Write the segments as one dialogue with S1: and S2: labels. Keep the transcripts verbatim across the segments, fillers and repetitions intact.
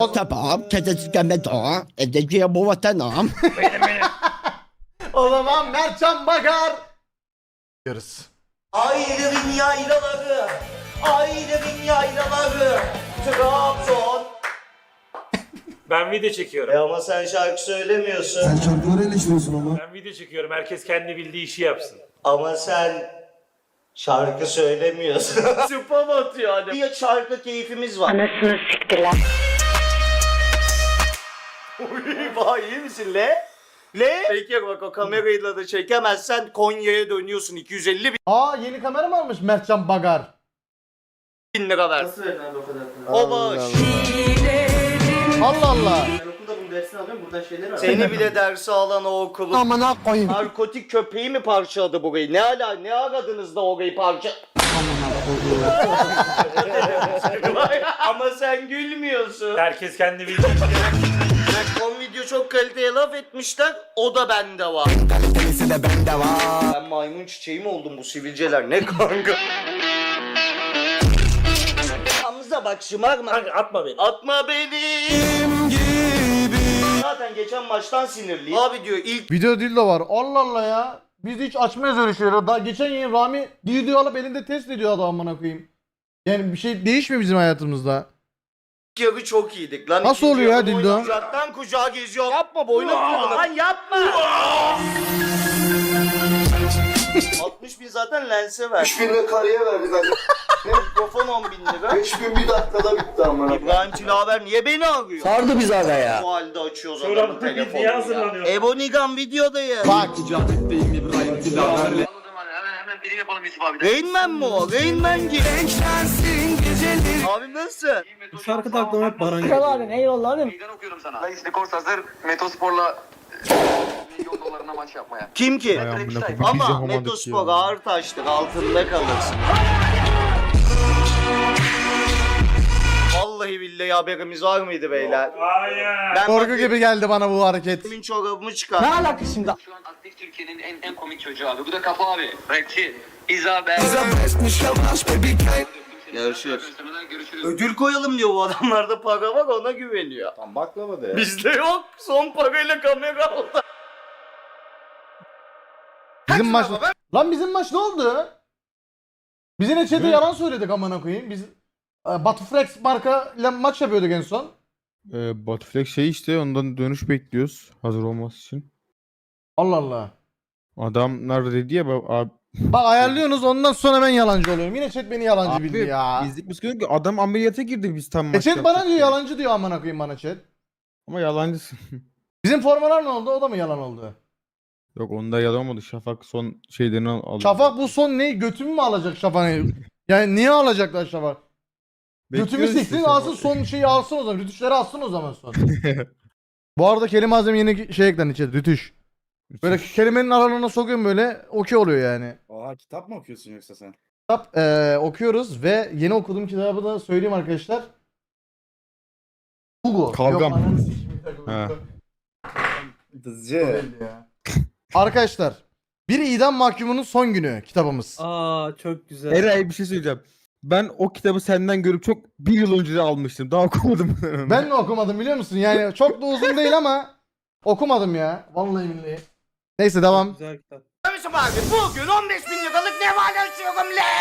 S1: Tamam, kedisizleme daha. Edeceğim bu vatanam.
S2: O zaman Mertcan Bakar. Yarız.
S3: Ayrılın yaylaları, ayrılın yaylaları, Trabzon.
S4: Ben video çekiyorum.
S3: E ama sen şarkı söylemiyorsun.
S5: Sen şarkıları eleştiriyorsun ama.
S4: Ben video çekiyorum. Herkes kendi bildiği işi yapsın.
S3: Ama sen şarkı söylemiyorsun. Spam atıyor hani. Bir şarkı keyfimiz var.
S6: Anasını siktiler.
S3: Uy vay iyi misin le? Le? Peki bak o kamerayla da çekemezsen Konya'ya dönüyorsun iki yüz elli
S2: Aa yeni kamera mı almış Mertcan Bakar?
S3: bin lira ver.
S7: Nasıl verdin abi o kadar para?
S3: O boş.
S2: Allah Allah.
S7: Ben okulda bunun dersini alıyorum, buradan şeyleri var.
S3: Seni bile dersi alan o okulu.
S1: Amına koyayım.
S3: Narkotik köpeği mi parçaladı burayı? Ne ala ne aradınız da orayı parça... Ama sen gülmüyorsun.
S4: Herkes kendi bildiği işi
S3: Bak son video çok kaliteye laf etmişler. O da bende var.
S1: Kalitesi de bende var.
S3: Ben maymun çiçeği mi oldum bu sivilceler? Ne kanka? Hamza bak şımarma.
S4: Kanka atma beni.
S3: Atma benim gibi. Zaten geçen maçtan sinirliyim. Abi diyor ilk
S2: Video değil de var. Allah Allah ya. Biz hiç açmayız öyle şeyleri. Daha geçen yayın Rami video alıp elinde test ediyor adam amına koyayım. Yani bir şey değişmiyor bizim hayatımızda.
S3: yarı çok iyiydik lan.
S2: Nasıl
S3: İkinci
S2: oluyor ya
S3: yarı
S2: Dildo?
S3: boyunca Kucaktan kucağa geziyor. Yapma boynu kırılır. Lan yapma. altmış bin zaten lense ver.
S5: üç bin lira karıya verdik hadi.
S3: Mikrofon on bin lira.
S5: beş bin bir dakikada bitti ama.
S3: İbrahim Tilaver niye beni arıyor?
S1: Sardı biz aga ya.
S3: Bu halde açıyoruz
S4: Sonra
S3: adamın
S4: bir video
S3: telefonunu ya.
S4: hazırlanıyor.
S3: Ebonigan videodayım.
S2: Bak.
S3: Rain Man mi o? Rain Man gibi. Abi nasıl?
S7: Bu şarkı da aklıma hep Baran
S6: Kral abi eyvallah abi.
S8: Meydan okuyorum sana. Dayı Skors hazır. Metospor'la milyon dolarına maç yapmaya.
S3: Kim ki? Ama Metospor ağır taştır altında kalırsın. Vallahi billahi haberimiz var mıydı beyler?
S4: Hayır.
S3: Ben
S2: Korku gibi geldi bana bu hareket.
S3: Benim çorabımı çıkar.
S6: Ne alaka şimdi?
S8: Şu an aktif Türkiye'nin en en komik çocuğu abi. Bu da Kafa abi. Rapçi. İzabel.
S3: Görüşürüz.
S8: Görüşürüz.
S3: Ödül koyalım diyor bu adamlarda para var ona güveniyor.
S5: Tam baklava da ya.
S3: Bizde yok. Son parayla kamera aldı.
S2: Bizim maç... Lan bizim maç ne oldu? Biz yine chat'e yalan söyledik amına koyayım. Biz e, Batuflex marka ile maç yapıyorduk en son.
S9: Ee, Batuflex şey işte ondan dönüş bekliyoruz hazır olması için.
S2: Allah Allah.
S9: Adamlar dedi ya ba- abi,
S2: Bak ayarlıyorsunuz ondan sonra ben yalancı oluyorum. Yine chat beni yalancı
S9: abi
S2: bildi ya.
S9: bizlik bir sıkıntı yok ki adam ameliyata girdi biz tam
S2: E
S9: maç
S2: chat bana
S9: yapacak
S2: diyor
S9: diye.
S2: yalancı diyor amına koyayım bana chat.
S9: Ama yalancısın.
S2: Bizim formalar ne oldu? O da mı yalan oldu?
S9: Yok onda yalan olmadı. Şafak son şeylerini al- aldı.
S2: Şafak bu son ne? Götümü mü alacak Şafak'ı? Yani niye alacaklar Şafak? Götümü
S9: Bekliyoruz
S2: siksin
S9: işte
S2: alsın
S9: Şafak.
S2: son şeyi alsın o zaman. Rütüşleri alsın o zaman son. Bu arada kelime azim yeni şey eklendi chat. Rütüş. Böyle kelimenin aralığına sokuyorum böyle okey oluyor yani.
S5: Oha kitap mı okuyorsun yoksa sen?
S2: Kitap eee, okuyoruz ve yeni okuduğum kitabı da söyleyeyim arkadaşlar. Hugo.
S9: Kavgam.
S2: Yok, ananı sikeyim, bir dakika,
S9: Ha.
S2: Hugo.
S5: Dızcı.
S2: Belli ya. Arkadaşlar bir idam mahkumunun son günü kitabımız.
S7: Aa çok güzel.
S9: Eray bir şey söyleyeceğim. Ben o kitabı senden görüp çok bir yıl önce de almıştım. Daha okumadım.
S2: Ben mi okumadım biliyor musun? Yani çok da uzun değil ama okumadım ya. Vallahi billahi. Neyse devam.
S7: Güzel kitap.
S3: Kardeşim abi bugün on beş bin liralık ne var açıyorum le.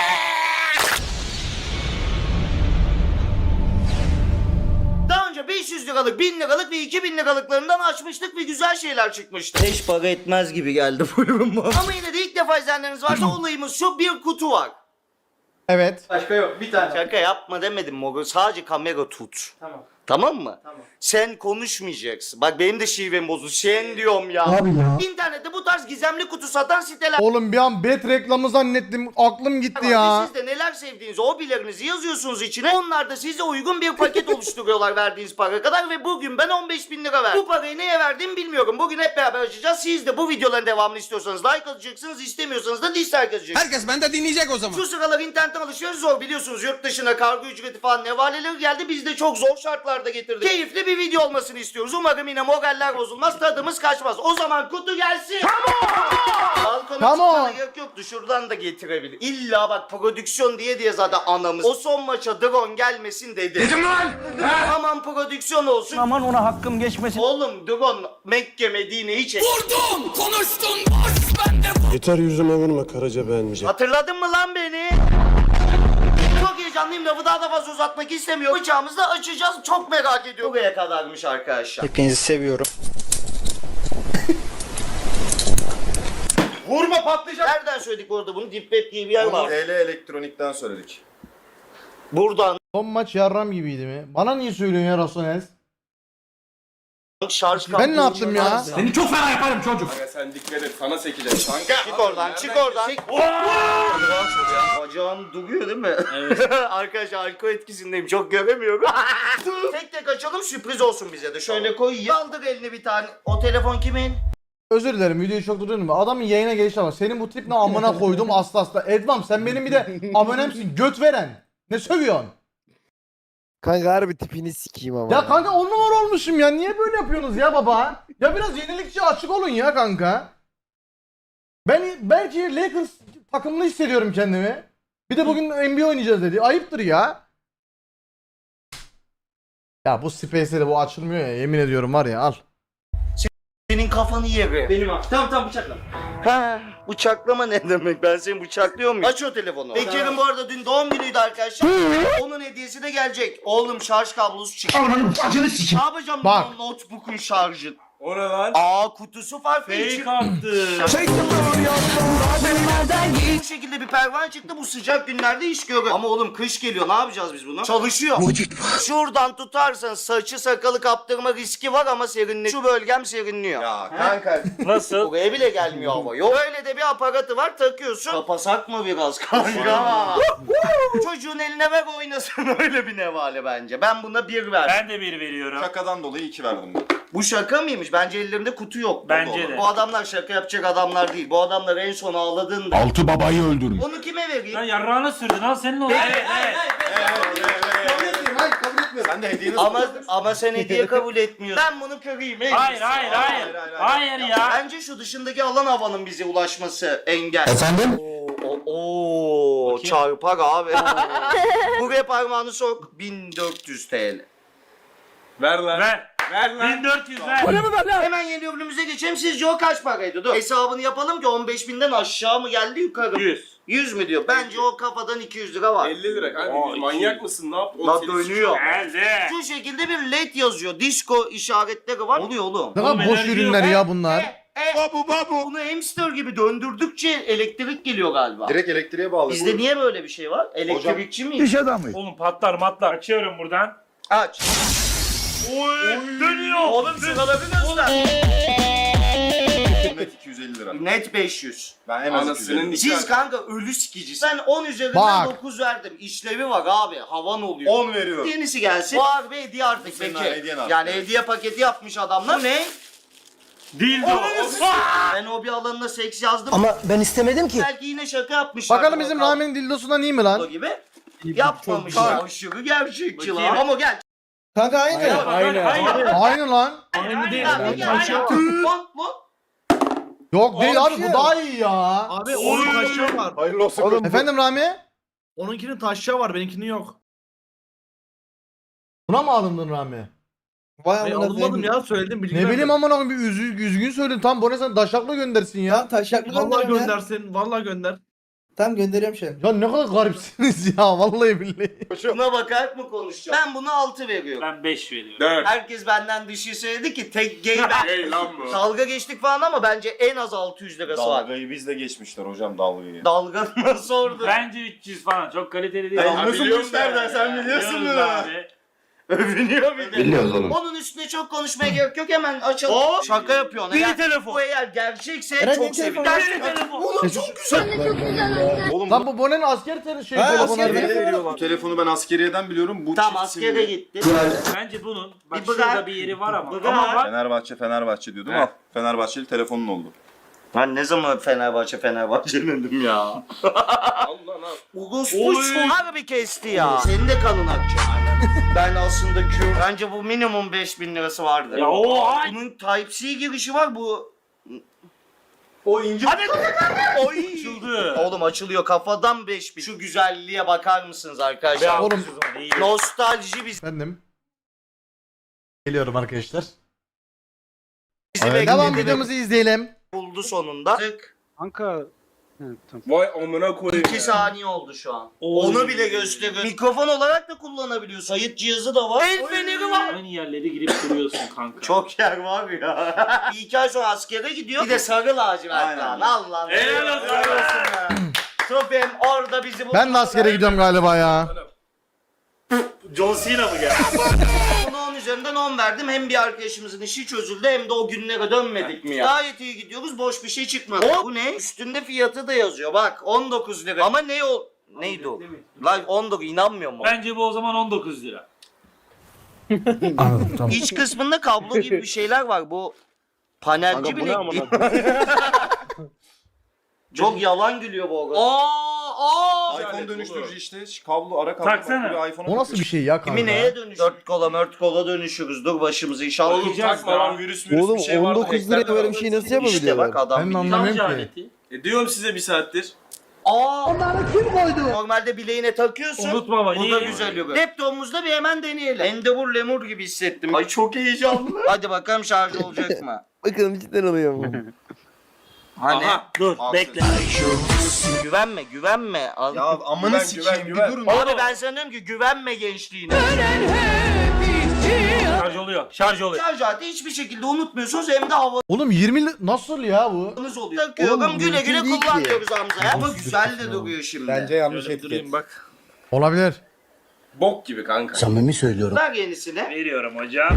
S3: Daha önce beş yüz liralık, bin liralık ve iki bin liralıklarından açmıştık ve güzel şeyler çıkmıştı. Hiç para etmez gibi geldi buyurun bana. Ama yine de ilk defa izleyenleriniz varsa olayımız şu, bir kutu var.
S2: Evet.
S7: Başka yok. Bir tane.
S3: Şaka yapma demedim Mogo, sadece kamera tut.
S7: Tamam.
S3: Tamam mı?
S7: Tamam.
S3: Sen konuşmayacaksın. Bak benim de şivem bozuldu. Sen diyorum ya.
S1: Abi ya.
S3: İnternette bu tarz gizemli kutu satan siteler
S2: Oğlum bir an bet reklamı zannettim. Aklım gitti
S3: var.
S2: ya.
S3: Ve siz de neler sevdiğinizi, hobilerinizi yazıyorsunuz içine. Onlar da size uygun bir paket oluşturuyorlar verdiğiniz para kadar ve bugün ben on beş bin lira verdim. Bu parayı neye verdiğimi bilmiyorum. Bugün hep beraber açacağız. Siz de bu videoların devamını istiyorsanız like atacaksınız, istemiyorsanız da dislike atacaksınız.
S1: Herkes bende dinleyecek o zaman.
S3: Şu sıralar internetten alışveriş zor biliyorsunuz. Yurt dışına kargo ücreti falan nevaleleri geldi. Biz de çok zor şartlarda videolar da getirdik. Keyifli bir video olmasını istiyoruz. Umarım yine moraller bozulmaz, tadımız kaçmaz. O zaman kutu gelsin. Balkona
S2: Come
S3: çıkmana
S2: on.
S3: gerek yoktu. Şuradan da getirebilir. İlla bak prodüksiyon diye diye zaten anamız. O son maça drone gelmesin dedi. Dedim lan. Aman prodüksiyon olsun.
S7: Aman ona hakkım geçmesin.
S3: Oğlum drone Mekke Medine'yi çek.
S10: Yeter yüzüme vurma Karaca beğenmeyecek.
S3: Hatırladın mı lan beni? Çok heyecanlıyım, lafı daha da fazla uzatmak istemiyorum. Bıçağımızı da açacağız, çok merak ediyorum. Buraya kadarmış arkadaşlar.
S7: Hepinizi seviyorum.
S3: Vurma patlayacak. Nereden söyledik bu arada bunu? Deep Web diye bir yer var.
S5: T L elektronikten söyledik.
S3: Buradan
S2: Son maç yarram gibiydi mi? Bana niye söylüyorsun ya Rasones?
S3: şarj
S2: Ben ne yaptım ya?
S10: Seni çok fena yaparım çocuk. Aga sen dikkat et sana sekeceğiz. Kanka.
S3: Çık oradan, çık oradan. Çık. Bacağım duruyor değil mi? Evet. Arkadaşlar alkol etkisindeyim, çok göremiyorum. Tek tek açalım, sürpriz olsun bize de. Şöyle koy, kaldır elini bir tane. O telefon kimin?
S2: Özür dilerim videoyu çok durdurdum. Adamın yayına gelişi var. Senin bu trip ne amına koydum asla asla. Edvam sen benim bir de abonemsin göt veren. Ne sövüyorsun?
S9: Kanka harbi tipini sikeyim ama.
S2: Ya kanka on numara olmuşum ya. Niye böyle yapıyorsunuz ya baba? Ya biraz yenilikçi açık olun ya kanka. Ben belki Lakers takımlı hissediyorum kendimi. Bir de bugün N B A oynayacağız dedi. Ayıptır ya. Ya bu Space'de de bu açılmıyor ya. Yemin ediyorum var ya al.
S3: Senin kafanı yerim.
S7: Benim abi. Tamam tamam bıçakla.
S3: Ha, bıçaklama ne demek? Ben seni bıçaklıyor muyum? Aç o telefonu. Bekir'in bu arada dün doğum günüydü arkadaşlar. Onun hediyesi de gelecek. Oğlum şarj kablosu çıktı. Ne yapacağım
S2: Bak.
S3: bu notebook'un şarjı?
S4: O ne lan?
S3: Aa kutusu farklı. içi-
S4: Fake attı.
S3: Bu şekilde bir pervane çıktı, bu sıcak günlerde iş görür. Ama oğlum kış geliyor, ne yapacağız biz bunu? Çalışıyor. Şuradan tutarsan saçı sakalı kaptırma riski var ama serinliyor. Şu bölgem serinliyor.
S5: Ya kanka.
S4: Nasıl?
S3: Buraya bile gelmiyor hava. Yok öyle de bir aparatı var, takıyorsun. Kapasak mı biraz kanka? Çocuğun eline ver oynasın, öyle bir nevale bence. Ben buna bir ver.
S4: Ben de bir veriyorum.
S5: Şakadan dolayı iki verdim ben.
S3: Bu şaka mıymış? Bence ellerinde kutu yok.
S4: Bence
S3: Baba.
S4: de.
S3: Bu adamlar şaka yapacak adamlar değil. Bu adamlar en son ağladığında.
S10: Altı babayı öldürmüş.
S3: Onu kime vereyim?
S4: Lan yarrağına sürdün al senin oldu. Evet evet.
S5: Sen de hediyeni
S3: Ama ama sen hediye kabul etmiyorsun. Ben bunu kırayım. en
S4: Hayır
S3: iyisi.
S4: hayır hayır. Hayır ya.
S3: Bence şu dışındaki alan havanın bize ulaşması engel.
S10: Efendim?
S3: Oo, oo, çarpar abi. Buraya parmağını sok. bin dört yüz TL.
S5: Ver lan.
S4: Ver.
S5: Ver lan.
S4: bin dört yüz ver.
S3: Hemen yeni ürünümüze geçelim. Sizce o kaç paraydı? Dur. Hesabını yapalım ki on beş binden aşağı mı geldi yukarı mı?
S4: yüz.
S3: yüz mü diyor? Bence o kafadan iki yüz lira var.
S5: elli lira kanka.
S4: Aa,
S5: manyak
S4: iki.
S5: mısın? Ne yap?
S3: La dönüyor.
S4: Geldi.
S3: Şu şekilde bir led yazıyor. Disco işaretleri var. Oluyor oğlum.
S2: Ne kadar
S4: Oğlum
S2: boş
S4: enerji
S2: ürünler
S3: yok.
S2: ya bunlar.
S3: E, e, Bunu hamster gibi döndürdükçe elektrik geliyor galiba.
S5: Direkt elektriğe bağlı.
S3: Bizde niye böyle bir şey var? Elektrikçi miyiz?
S9: adamı.
S4: Oğlum patlar matlar. Açıyorum buradan.
S3: Aç.
S4: Oy dönüyor.
S3: Oğlum şuraları göster.
S5: Net iki yüz elli lira.
S3: Net beş yüz.
S5: Ben en az iki yüz elli.
S3: Siz kanka ölü sikici. Ben on üzerinden
S2: Bak.
S3: dokuz verdim. İşlevi var abi. Havan oluyor.
S5: on veriyorum.
S3: Yenisi gelsin. Bu harbi hediye artık
S5: Senin
S3: peki.
S5: hediyen artık.
S3: Yani hediye paketi yapmış adamlar. Bu ne?
S4: Dildo.
S3: Ben o bir alanına seks yazdım.
S7: Ama ben istemedim ki.
S3: Belki yine şaka yapmışlar.
S2: Bakalım bizim Rami'nin dildosundan iyi mi lan?
S3: gibi. Yapmamışlar. Aşırı gerçekçi lan.
S4: Bakayım.
S3: Ama gel.
S7: Kanka aynı.
S4: Aynen. Aynen.
S2: Aynı lan.
S4: Aynı değil.
S3: Gel, gel, gel. Lan, lan.
S2: Yok değil abi bu daha iyi ya.
S7: Abi onun taşyağı var.
S5: Hayırlı olsun.
S9: Oğlum bu-
S2: Efendim Rami?
S7: Onunkinin taşyağı var benimkinin yok.
S2: Buna mı alındın Rami?
S7: Ben alınmadım ya söyledim bilgi
S2: Ne bileyim amına koyayım bir üzü, üzgün söyledin. Tam bu ne sen daşakla göndersin ya.
S7: taşaklı Vallahi göndersin. Vallahi gönder.
S11: Tamam gönderiyorum şu an.
S2: Ya ne kadar garipsiniz ya vallahi billahi.
S3: Buna bakarak mı konuşacağım? Ben buna altı veriyorum.
S4: Ben beş veriyorum.
S5: dört.
S3: Herkes benden dışı söyledi ki tek gay ben.
S5: Hey lan bu.
S3: Dalga geçtik falan ama bence en az altı yüz lirası var.
S5: Dalgayı bizle geçmişler hocam dalgayı.
S3: Dalga nasıl orada?
S4: Bence üç yüz falan. Çok kaliteli değil.
S5: Hey,
S4: Ama
S5: nasıl
S4: biliyoruz
S5: bu işlerden?
S4: yani.
S5: Sen biliyorsun
S4: Biliyoruz
S5: bunu.
S4: abi.
S3: Övünüyor bir de.
S10: Biliyoruz oğlum.
S3: Onun üstüne çok konuşmaya gerek yok, hemen açalım.
S4: Oo.
S3: Şaka yapıyorsun.
S4: Biri
S3: Eğer-
S4: telefon.
S3: Bu eğer gerçekse
S11: Eren,
S3: çok
S11: benim
S3: sevinirim.
S11: telefonum.
S3: Gerçekten
S4: telefon.
S3: Oğlum çok güzel.
S5: Oğlum
S2: Lan bu Bone'nin asker tele- şey
S11: Ha,
S2: telefonu
S11: asker
S2: harbi.
S11: telefonu.
S5: bu telefonu ben askeriyeden biliyorum. Bu
S3: Tamam
S5: çift
S3: askere
S5: simli.
S3: gitti.
S4: Bence bunun bak
S3: Bir bırak.
S4: şurada bir yeri var ama.
S3: Bırak.
S4: Ama bak.
S5: Fenerbahçe Fenerbahçe diyordum.
S4: He.
S5: Al. Fenerbahçeli telefonun oldu.
S3: Ben ne zaman Fenerbahçe Fenerbahçe dedim ya.
S5: Allah lan.
S3: Ugus
S4: Oy.
S3: bu harbi kesti ya. Senin de kanın akacak. Ben aslında Q. Bence bu minimum beş bin lirası vardı.
S4: Ya oha!
S3: Bunun Type-C girişi var bu.
S2: O ince.
S3: Hadi Oy.
S4: Açıldı.
S3: Oğlum açılıyor kafadan beş bin. Şu güzelliğe bakar mısınız arkadaşlar?
S2: Oğlum.
S3: Nostalji biz.
S2: Efendim. Geliyorum arkadaşlar.
S3: Bizi
S2: Devam
S3: bekledi.
S2: videomuzu izleyelim.
S3: Buldu sonunda. Tık.
S9: Kanka.
S10: Vay amına koyayım
S3: iki
S10: ya.
S3: saniye oldu şu an.
S4: Oy.
S3: Onu bile gösteriyor. Mikrofon olarak da kullanabiliyorsun. Kayıt cihazı da var. El feneri var.
S4: Aynı yerlere girip duruyorsun kanka.
S3: Çok yer var ya. Bir iki ay sonra askere gidiyor. Bir de sarı lacivert
S5: Aynen.
S3: lan. Allah'ım.
S4: Helal olsun.
S3: Helal olsun ya. Tropim orada bizi buldu.
S2: Ben de askere gidiyorum galiba ya.
S4: John Cena mı geldi?
S3: Ona on üzerinden on verdim. Hem bir arkadaşımızın işi çözüldü hem de o günlere dönmedik mi ya? Gayet iyi gidiyoruz. Boş bir şey çıkmadı. Bu ne? Üstünde fiyatı da yazıyor. Bak on dokuz lira. Ama ne o? Neydi o? Lan on dokuz inanmıyor mu?
S4: Bence bu o zaman on dokuz lira.
S2: Anladım tamam.
S3: İç kısmında kablo gibi bir şeyler var. Bu panelci bile değil. Çok yalan gülüyor bu arada. Aa, aa.
S5: iPhone dönüştürücü işte. Kablo ara kablo.
S4: Taksana.
S5: Bak, buraya iPhone'a
S2: O nasıl bir şey ya
S3: Kimi
S2: kanka?
S3: neye dönüşür? Dört kola mört kola dönüşürüz. Dur başımızı inşallah.
S10: Oğlum takma lan virüs virüs
S9: Oğlum
S10: bir şey var.
S9: on dokuz liraya böyle bir şey nasıl
S3: İşte
S9: yapabiliyorlar?
S3: bak adam
S2: Ben
S3: biliyor.
S2: anlamıyorum
S4: Şarj
S2: ki.
S4: aleti.
S10: E diyorum size bir saattir.
S3: Aa. Onları kim koydu? Normalde bileğine takıyorsun.
S4: Unutma bak.
S3: Bu da
S4: iyi.
S3: güzel yok. Laptopumuzda bir hemen deneyelim. Endebur lemur gibi hissettim. Ay çok heyecanlı. Hadi bakalım şarj olacak mı?
S9: Bakalım cidden oluyor mu?
S3: Hani?
S10: Aha.
S3: Dur
S5: Al
S3: bekle. Güvenme güvenme. Al.
S5: Ya amına
S10: Güven,
S5: sikeyim
S10: güven,
S5: bir
S10: güven.
S5: durun.
S3: Abi ben sana diyorum ki güvenme gençliğine.
S4: Şarj oluyor. Şarj oluyor.
S3: Şarj aleti hiçbir şekilde unutmuyorsunuz hem de havanız
S2: Oğlum yirmi li- nasıl ya bu?
S3: oluyor. Takıyorum
S9: Oğlum,
S3: güle güle
S9: mümkün değil ki.
S3: kullanıyoruz Hamza. Ama güzel de duruyor şimdi.
S9: yanlış
S10: Şöyle durayım bak.
S2: Olabilir.
S10: Bok gibi kanka.
S1: Samimi söylüyorum.
S3: Ver yenisini.
S4: Veriyorum hocam.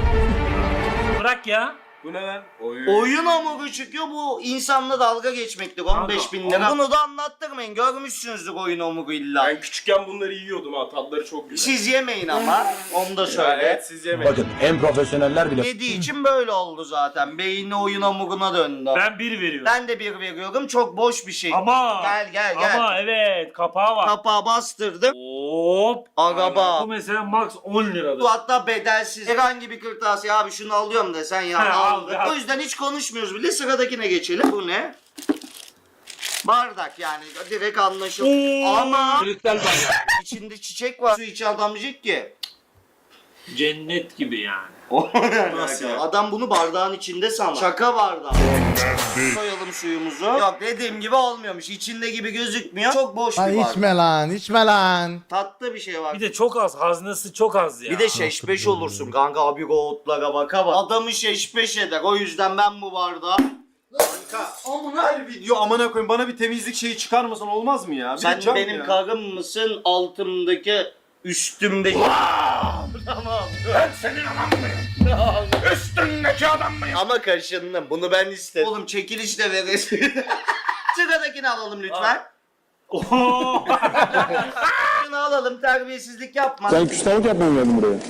S4: Bırak ya.
S10: Bu ne lan? Oy.
S3: Oyun hamuru çıkıyor bu insanla dalga geçmektir on beş bin lira. Bunu da anlattırmayın görmüşsünüzdür oyun hamuru illa.
S10: Ben küçükken bunları yiyordum ha. Tatları çok güzel.
S3: Siz yemeyin ama onu da
S10: Ya
S3: söyle.
S10: evet siz yemeyin.
S1: Bakın en profesyoneller bile
S3: Yediği için böyle oldu zaten. Beyni oyun hamuruna döndü.
S4: Ben bir veriyorum.
S3: Ben de bir veriyorum. Çok boş bir şey.
S4: Ama.
S3: Gel gel gel.
S4: Ama evet kapağı var.
S3: Kapağı bastırdım.
S4: Hop.
S3: Araba.
S4: Bu mesela max on liradır.
S3: Bu hatta bedelsiz. Herhangi bir kırtasiye abi şunu alıyorum desen ya
S4: He, al,
S3: aldık.
S4: al.
S3: O yüzden hiç konuşmuyoruz bile. Sıradakine geçelim. Bu ne? Bardak yani direkt anlaşılır. Ama içinde çiçek var. Su içi adam diyecek ki.
S4: Cennet gibi yani.
S3: Nasıl ya? Adam bunu bardağın içinde sanır. Şaka bardağı. Koyalım suyumuzu. Yok dediğim gibi olmuyormuş. İçinde gibi gözükmüyor. Çok boş bir
S2: Ay
S3: bardak.
S2: içme lan, içme lan.
S3: Tatlı bir şey var.
S4: Bir de çok az. Haznesi çok az ya.
S3: Bir de şeşbeş olursun kanka abi goğutlara baka bak. Adamı şeşbeş eder. O yüzden ben bu bardağı...
S5: Kanka. Her video amına koyayım bana bir temizlik şeyi çıkarmasan olmaz mı ya? Bir
S3: Sen
S5: cam
S3: benim
S5: ya.
S3: karım mısın altımdaki üstümdeki... Tamam. Ben senin adam mıyım? Üstündeki adam mıyım? Ama kaşındım. Bunu ben istedim. Oğlum çekiliş de veresin. Sıradakini alalım lütfen.
S4: Oho.
S3: Şunu alalım terbiyesizlik yapma.
S9: Ben küstahlık yapmam geldim buraya.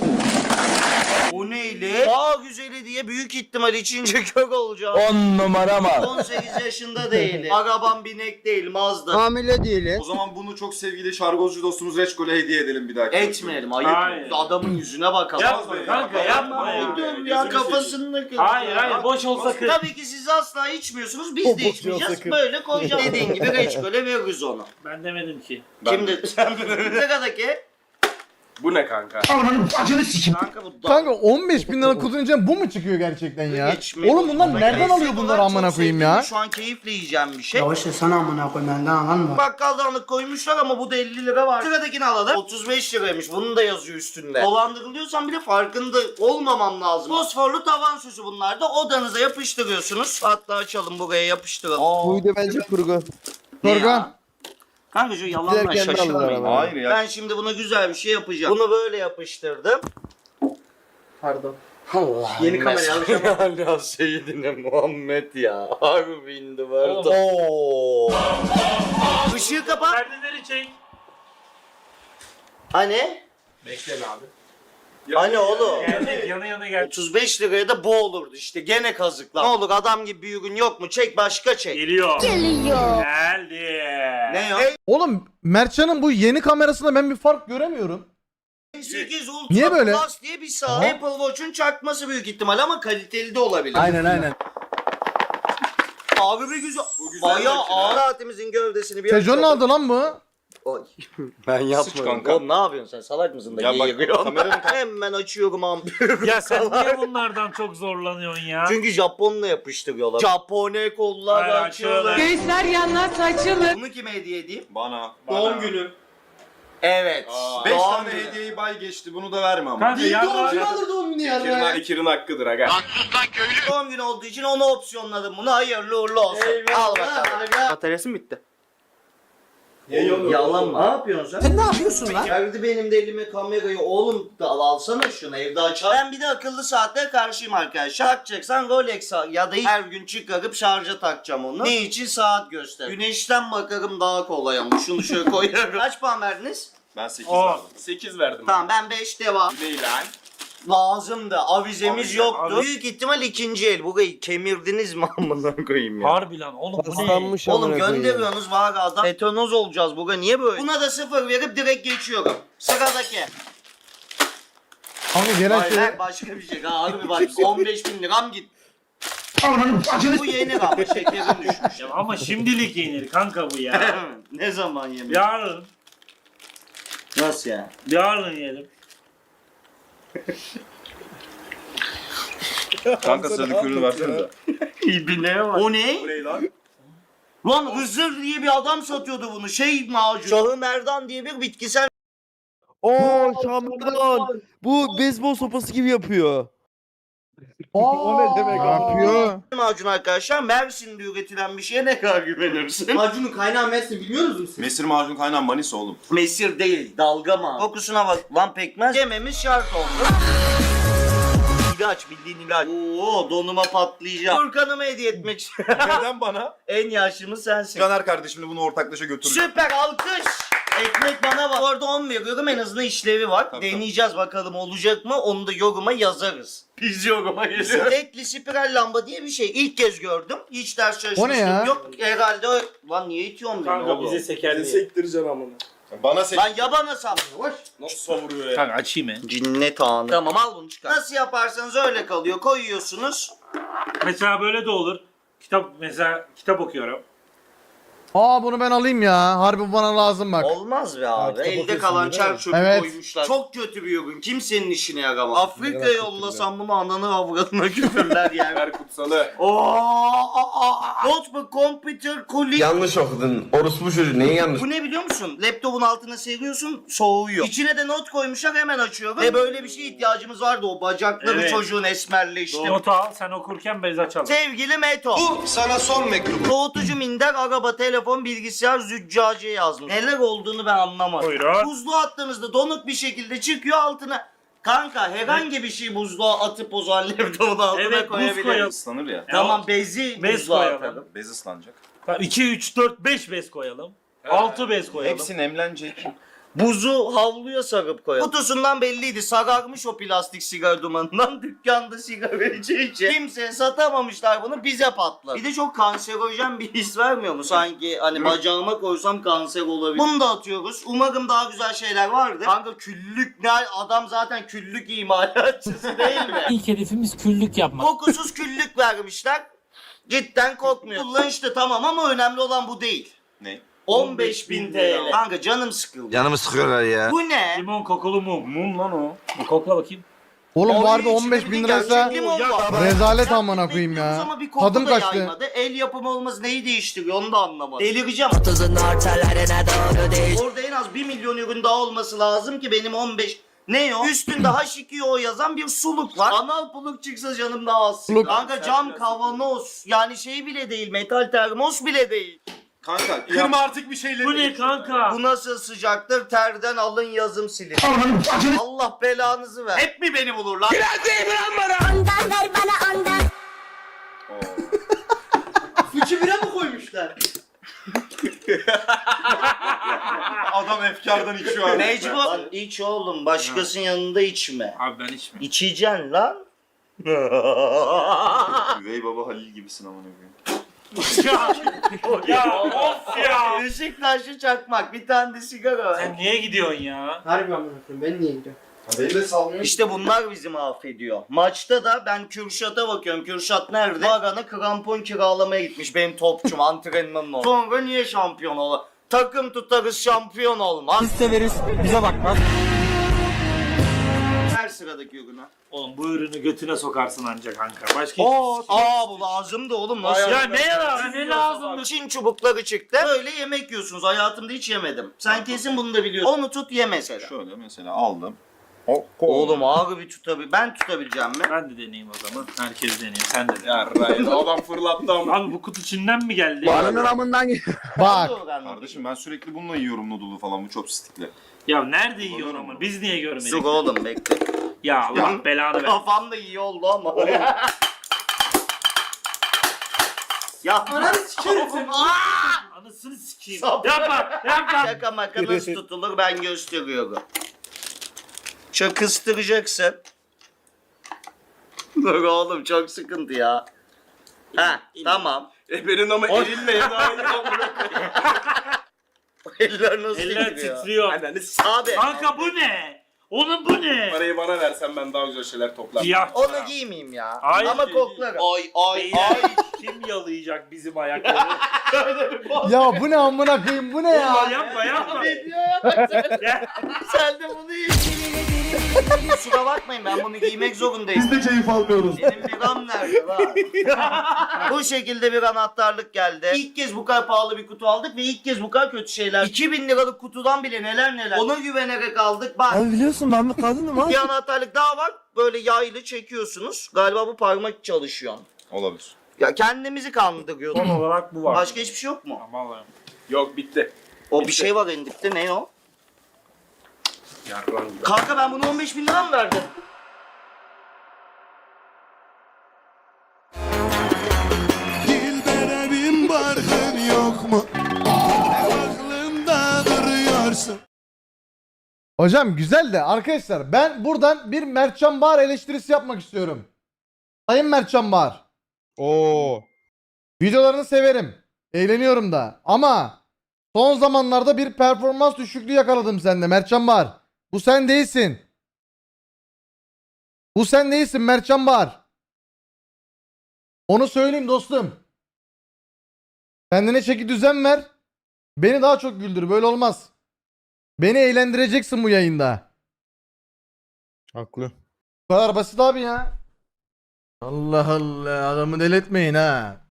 S3: O neyli? Daha güzeli diye büyük ihtimal içince kök olacağım.
S9: on numara mı?
S3: on sekiz yaşında değilim. Arabam binek değil Mazda.
S9: Hamile değiliz.
S5: O zaman bunu çok sevgili şargozcu dostumuz Reçkol'e hediye edelim bir dahaki.
S3: Etmeyelim ayıp.
S4: Hayır.
S3: Adamın yüzüne bakalım.
S4: Yapma kanka yapma ya.
S3: Dur ya kafasını kır.
S4: Hayır hayır boş olsa kır.
S3: Tabii ki siz asla içmiyorsunuz. Biz de içmeyeceğiz. Böyle koyacağız. Dediğin gibi reçkole veririz onu.
S4: Ben demedim ki.
S3: Kim dedi? Sen sıradaki.
S10: Bu ne kanka?
S3: Kanka bu da.
S2: Kanka on beş bin lira kutunun içinden bu mu çıkıyor gerçekten ya?
S3: Geçmeyin.
S2: Oğlum bunlar nereden
S3: Eski
S2: alıyor bunları
S3: olarak
S2: amına
S3: çok
S2: koyayım
S3: sevdiğim,
S2: ya?
S3: Şu an keyifle yiyeceğim bir şey.
S6: Ya işte sana amına koyayım benden alan mı?
S3: Bakkaldanlık koymuşlar ama bu da elli lira var. Sıradakini alalım. otuz beş liraymış. Bunun da yazıyor üstünde. Dolandırılıyorsan bile farkında olmamam lazım. Fosforlu tavan süsü bunlar da odanıza yapıştırıyorsunuz. Hatta açalım buraya yapıştıralım.
S9: Bu video bence kurgu.
S3: Ne
S2: Kurgu.
S3: ya? Kanka şu yalandan
S9: Giderken de aldılar
S3: şaşırmayın.
S9: ama.
S5: Hayır ya.
S3: Ben şimdi buna güzel bir şey yapacağım. Bunu böyle yapıştırdım.
S6: Pardon.
S3: Allah
S6: Yeni kamerayı alacağım.
S3: Ya Seyyidine Muhammed ya. Harbi indi
S4: Oğlum.
S3: Oo. Işığı kapat.
S4: Perdeleri çek.
S3: Hani?
S10: Bekle be abi.
S3: Hani oğlum?
S4: Gelecek yana yana gel.
S3: otuz beş liraya da bu olurdu işte gene kazıklar. Ne olur adam gibi bir ürün yok mu? Çek başka çek.
S4: Geliyor.
S6: Geliyor.
S4: Geldi.
S3: Ne yok?
S2: Oğlum Mertcan'ın bu yeni kamerasında ben bir fark göremiyorum.
S3: sekiz Ultra
S2: Niye böyle?
S3: Plus diye bir saat. Apple Watch'un çakması büyük ihtimal ama kaliteli de olabilir.
S2: Aynen aynen.
S3: Abi bir güzel.
S5: güzel
S3: Bayağı
S5: makine.
S3: ağır. Saatimizin gövdesini bir
S2: Tejon ne
S3: açalım.
S2: aldı lan bu?
S3: Oy.
S5: Ben
S3: Sıç kanka. Oğlum ne yapıyorsun sen? Salak mısın da
S5: Ya bak,
S3: geğiriyorsun?
S5: kameranın-
S3: Hemen açıyorum ampul.
S4: Ya sen niye bunlardan çok zorlanıyorsun ya?
S3: Çünkü Japonla yapıştırıyorlar. Japone kollar
S4: Hayır,
S3: açılır.
S4: açıyorlar.
S11: Göğüsler yanlar açılır.
S3: Bunu kime hediye edeyim?
S5: Bana.
S3: Doğum günü. Evet.
S5: beş
S3: Doğum
S5: tane
S3: günü.
S5: hediyeyi bay geçti. Bunu da verme ama.
S4: Kanka yarın
S6: alır doğum günü
S10: İkirin,
S6: ya.
S10: ikirin hakkıdır aga.
S3: Doğum günü olduğu için onu opsiyonladım. Bunu hayırlı uğurlu olsun. Al bakalım.
S6: Bataryası mı bitti?
S3: Yalan mı? Ne yapıyorsun sen? Sen ne yapıyorsun lan? Verdi benim de elime kamerayı. Oğlum da al, alsana şunu evde açar. Ben bir de akıllı saatlere karşıyım arkadaşlar. Takacaksan Rolex al ya da her gün çıkarıp şarja takacağım onu. Ne için? Saat göster. Güneşten bakarım daha kolay ama şunu şöyle koyarım. Kaç puan verdiniz?
S5: Ben sekiz
S4: On.
S5: verdim.
S10: sekiz verdim.
S3: Tamam ben beş devam.
S10: Değil lan.
S3: Lazımdı. Avizemiz
S10: Avize,
S3: yoktu.
S4: avize.
S3: Büyük ihtimal ikinci el. Burayı kemirdiniz mi amına koyayım ya?
S4: Harbi lan oğlum bu ne?
S9: Paslanmış
S3: Oğlum
S9: amına koyayım.
S3: gönderiyorsunuz var adam. Tetanoz olacağız bugün. Niye böyle? Buna da sıfır verip direkt geçiyorum. Sıradaki.
S2: Kanka gelen
S3: Hayır
S2: şey.
S3: lan başka bir şey. Ha, harbi bak on beş bin liram git. Bu yenir ama şekerim düşmüş.
S4: Ya ama şimdilik yenir kanka bu ya.
S3: Ne zaman yemek?
S4: Yarın.
S3: Nasıl ya?
S4: Yarın yiyelim.
S5: Kanka sarı kürünü versenize.
S3: İbine var. O ne?
S5: Bu ne lan?
S3: Lan Hızır diye bir adam satıyordu bunu. Şey macun. Şahı Merdan diye bir bitkisel
S9: Oo Şam'dan. Bu beyzbol sopası gibi yapıyor.
S2: O ne demek
S9: Ne yapıyor?
S3: macun arkadaşlar. Mersin'de üretilen bir şeye ne kadar güvenirsin?
S6: Macunun kaynağı Mersin biliyor musunuz siz?
S5: Mesir macun kaynağı Manisa oğlum.
S3: Mesir değil, dalga mı? Kokusuna bak. Lan pekmez. Yememiz şart oldu. İlaç, bildiğin ilaç. Oo, donuma patlayacağım. Furkan'ıma hediye etmek istiyorum.
S5: Neden bana?
S3: En yaşlımız sensin.
S5: Caner kardeşimle bunu ortaklaşa götüreceğim.
S3: Süper, alkış. Ekmek bana bak. Orada on veriyorum, en azından işlevi var.
S5: Tabii,
S3: Deneyeceğiz bakalım olacak mı? Onu da yoruma yazarız. Biz yoruma geliyoruz. Tekli spiral lamba diye bir şey. İlk kez gördüm. Hiç ders çalışmıştım.
S2: O ne ya?
S3: Yok herhalde o... Lan niye itiyorsun beni
S4: Kanka
S3: oğlum?
S4: bize seker diye.
S10: Sektireceğim amına.
S5: Bana sek...
S3: Lan ya bana sap.
S10: Nasıl savuruyor ya?
S4: Kanka açayım mı?
S3: Cinnet anı. Tamam al bunu çıkar. Nasıl yaparsanız öyle kalıyor. Koyuyorsunuz.
S4: Mesela böyle de olur. Kitap mesela kitap okuyorum.
S2: Aa bunu ben alayım ya. Harbi bu bana lazım bak.
S3: Olmaz be abi. Elde kalan çer çöpü
S2: Evet.
S3: koymuşlar. Çok kötü bir ürün. Kimsenin işine yaramaz. Afrika'ya yollasam bunu ananı avradına küfürler yani.
S10: Ver kutsalı.
S3: Ooo. Notebook, computer, kuli.
S10: Yanlış okudun. Orospu çocuğu neyi yanlış?
S3: Bu ne biliyor musun? Laptopun altına seriyorsun, soğuyor. İçine de not koymuşlar, hemen açıyorum. Ve böyle bir şeye ihtiyacımız vardı, o bacakları
S4: Evet.
S3: çocuğun esmerleşti.
S4: Notu al sen okurken bez açalım.
S3: Sevgili Meto. Bu sana son mektubu. Soğutucu, minder, araba, telefon, bilgisayar, züccaciye yazmış. Neler olduğunu ben anlamadım.
S4: Buyurun.
S3: Buzluğa attığınızda donuk bir şekilde çıkıyor altına. Kanka herhangi bir şey buzluğa atıp o zaman laptopun altına
S4: Evet, buz
S3: koyabiliriz.
S4: koyalım.
S5: Islanır ya.
S3: Tamam bezi
S4: Bez
S3: buzluğa
S4: koyalım.
S3: atalım.
S5: Bez ıslanacak.
S4: iki, üç, dört, beş bez koyalım. altı bez koyalım.
S5: Hepsi nemlenecek.
S3: Buzu havluya sarıp koyalım. Kutusundan belliydi. Sararmış o plastik sigara dumanından. Dükkanda sigara içi içi. Kimseye satamamışlar bunu, bize patladı. Bir de çok kanserojen bir his vermiyor mu? Sanki hani bacağıma koysam kanser olabilir. Bunu da atıyoruz. Umarım daha güzel şeyler vardır. Kanka küllük ne? Adam zaten küllük imalatçısı değil mi?
S4: İlk hedefimiz küllük yapmak.
S3: Kokusuz küllük vermişler. Cidden kokmuyor. Kullanışlı tamam ama önemli olan bu değil.
S5: Ne?
S3: on beş bin T L. Kanka canım sıkıldı.
S10: Canımı sıkıyorlar ya.
S3: Bu ne?
S4: Limon kokulu mum. Mum lan o. Bir kokla bakayım.
S2: Oğlum bu harbi
S3: Onun
S2: on beş
S3: içinde
S2: bin
S3: bir
S2: liraysa
S3: gerçek limon var.
S2: rezalet
S3: Ya,
S2: amına koyayım ya.
S3: bekliyoruz ama bir koku
S2: Tadım
S3: da
S2: kaçtı.
S3: yaymadı. El yapımı olması neyi değiştiriyor onu da anlamadım. Delireceğim. Orada en az bir milyon ürün daha olması lazım ki benim on beş... Ne o? Üstünde H iki O yazan bir suluk var. Anal puluk çıksa canım daha az.
S2: Suluk.
S3: Kanka cam kavanoz. Yani şey bile değil. Metal termos bile değil.
S5: Kanka kırma artık bir şeyleri.
S4: Bu ne kanka?
S3: Bu nasıl sıcaktır? Terden alın yazım silin. Allah belanızı ver. Hep mi beni bulurlar?
S11: Ondan ver bana ondan.
S6: Fıçı bira mı koymuşlar?
S5: Adam efkardan içiyor abi.
S3: Mecbur. Lan iç oğlum. Başkasının yanında içme.
S4: Abi ben içmiyorum.
S3: İçeceksin lan.
S5: Üvey baba Halil gibisin amına koyayım.
S4: ya, ya of ya.
S3: Beşiktaşlı çakmak, bir tane de sigara ver.
S4: Sen niye gidiyorsun ya?
S6: Harbi amına koyayım. Ben niye gidiyorum?
S5: Beni de salmıyor.
S3: İşte bunlar bizi mahvediyor. Maçta da ben Kürşat'a bakıyorum. Kürşat nerede? Varan'a krampon kiralamaya gitmiş benim topçum antrenmanın oldu. Sonra niye şampiyon olur? Takım tutarız şampiyon olmaz.
S9: Biz severiz. Bize bakmaz.
S3: Her sıradaki ürünü.
S4: Oğlum bu ürünü götüne sokarsın ancak kanka. Başka
S3: Aa,
S4: hiçbir şey.
S3: aa bu lazımdı oğlum nasıl?
S4: Ya ne lazım? Ne lazım?
S3: Çin çubukları çıktı. Böyle yemek yiyorsunuz. Hayatımda hiç yemedim. Sen kesin bunu da biliyorsun. Onu tut ye mesela.
S5: Şöyle mesela aldım.
S3: Oğlum ağır bir tutabil. Ben tutabileceğim mi?
S4: Ben de deneyeyim o zaman. Herkes deneyeyim. Sen de dene.
S5: Ya Ryan, adam fırlattı ama.
S4: Abi bu kutu Çin'den mi geldi?
S9: Baranın amından gel.
S2: Bak.
S5: Kardeşim ben sürekli bununla yiyorum noodle'u falan bu chopstick'le.
S4: Ya nerede yiyorsun ama? Biz niye görmedik?
S3: Dur oğlum bekle.
S4: Ya Allah belanı ver.
S3: Kafam da iyi oldu ama. ya
S6: Ananı sikerim seni.
S4: Anasını sikeyim.
S3: Sap-
S4: Yapma yapma.
S3: şaka maka nasıl tutulur ben gösteriyorum. Şöyle kıstıracaksın. Dur oğlum çok sıkıntı ya. Ha tamam.
S10: E benim ama elinle ya daha iyi amına.
S3: Eller nasıl
S4: Eller
S3: titriyor?
S4: titriyor.
S10: Ananı s***.
S3: Abi
S4: Kanka bu ne? Onun bu ne?
S10: Parayı bana versen ben daha güzel şeyler toplarım.
S4: Siyah.
S3: onu giymeyeyim ya.
S4: Hayır,
S3: ama
S4: giy,
S3: koklarım. Ay ay
S4: Beyler, kim yalayacak bizim ayakları?
S2: Ya bu ne amına koyayım bu ne
S4: Ya
S2: ya?
S4: yapma yapma.
S3: Ne diyor ya bak sen,
S4: Gel.
S3: sen de bunu yiyin. Kusura bakmayın ben bunu giymek zorundayım.
S5: Biz de keyif almıyoruz.
S3: Benim bir an nerede lan? Bu şekilde bir anahtarlık geldi. İlk kez bu kadar pahalı bir kutu aldık ve ilk kez bu kadar kötü şeyler. iki bin liralık kutudan bile neler neler. Ona güvenerek aldık. Bak
S9: Abi biliyorsun ben bir kadınım ha.
S3: bir anahtarlık daha var. Böyle yaylı çekiyorsunuz. Galiba bu parmak çalışıyor.
S5: Olabilir.
S3: Ya kendimizi kandırıyorduk.
S4: Son olarak bu var.
S3: Başka hiçbir şey yok mu?
S4: Aman Allah'ım.
S10: Yok bitti.
S3: O bir şey var en dipte. Ne o?
S4: Yarram.
S3: Kanka ben bunu on beş bin lira mı verdim?
S1: Dilbere bin barkın yok mu? Aklımda duruyorsun.
S2: Hocam güzel de arkadaşlar ben buradan bir Mertcan Bahar eleştirisi yapmak istiyorum. Sayın Mertcan Bahar.
S9: Oo.
S2: Videolarını severim. Eğleniyorum da. Ama son zamanlarda bir performans düşüklüğü yakaladım sende Mertcan Bahar. Bu sen değilsin. Bu sen değilsin Mertcan Bahar. Onu söyleyeyim dostum. Kendine çeki düzen ver. Beni daha çok güldür. Böyle olmaz. Beni eğlendireceksin bu yayında.
S9: Haklı.
S2: Bu kadar basit abi ya. Allah Allah adamı deletmeyin ha.